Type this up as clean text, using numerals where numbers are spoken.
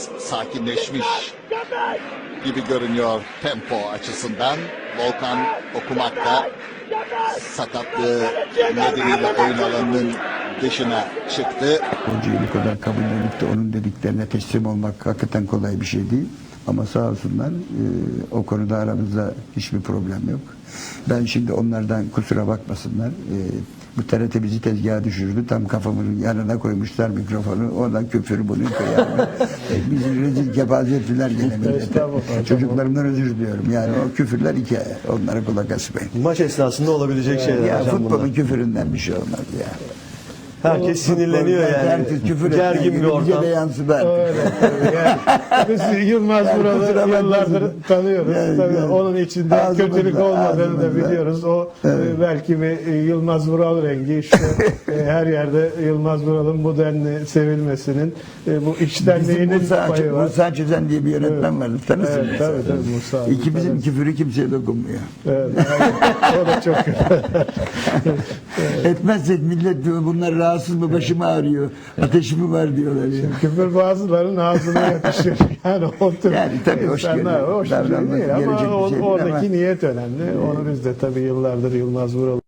biraz sakinleşmiş gibi görünüyor tempo açısından. Volkan okumakta sakatlığı nedeniyle oyun alanının dışına çıktı. Hocayı bu kadar kabullenip de onun dediklerine teslim olmak hakikaten kolay bir şey değil. Ama sağ olsunlar o konuda aramızda hiçbir problem yok. Ben şimdi onlardan kusura bakmasınlar. Bu TRT bizi tezgaha düşürdü. Tam kafamın yanına koymuşlar mikrofonu. Oradan küfür bunu koyarlar. Bizi rezil kepaze ettiler gene millete. Çocuklarımdan özür diliyorum. Yani o küfürler hikaye. Onlara kulak asmayın. Maç esnasında olabilecek şeyler Ya hocam futbolun bunlar. küfüründen bir şey olmaz ya. Herkes sinirleniyor yani. Herkes küfür Gergin bir ortam. de yansıdı. Öyle. Yani biz Yılmaz Vural'ı yıllardır tanıyoruz. Yani, Tabii yani. onun içinde Ağzımızda, kötülük olmadığını da ağzımızda. biliyoruz. O belki bir Yılmaz Vural rengi işte her yerde Yılmaz Vural'ın bu denli sevilmesinin bu içtenliğinin payı var. Musa Çözen diye bir yönetmen vardı. Tanırsın. Evet, mesela. tabii Musa abi, İkimizin tanırız. küfürü kimseye dokunmuyor. Evet, aynen. O da çok Etmezsek millet diyor bunlar rahatsız mı, başım ağrıyor, ateşi mi var diyorlar ya. küfür bazılarının ağzına yakışır. Yani o tür Yani tabii hoş insanlar görünüyor. hoş bir şey Davranması değil gelecek ama bir şey değil oradaki ama- niyet önemli. Onu biz de tabii yıllardır Yılmaz Vural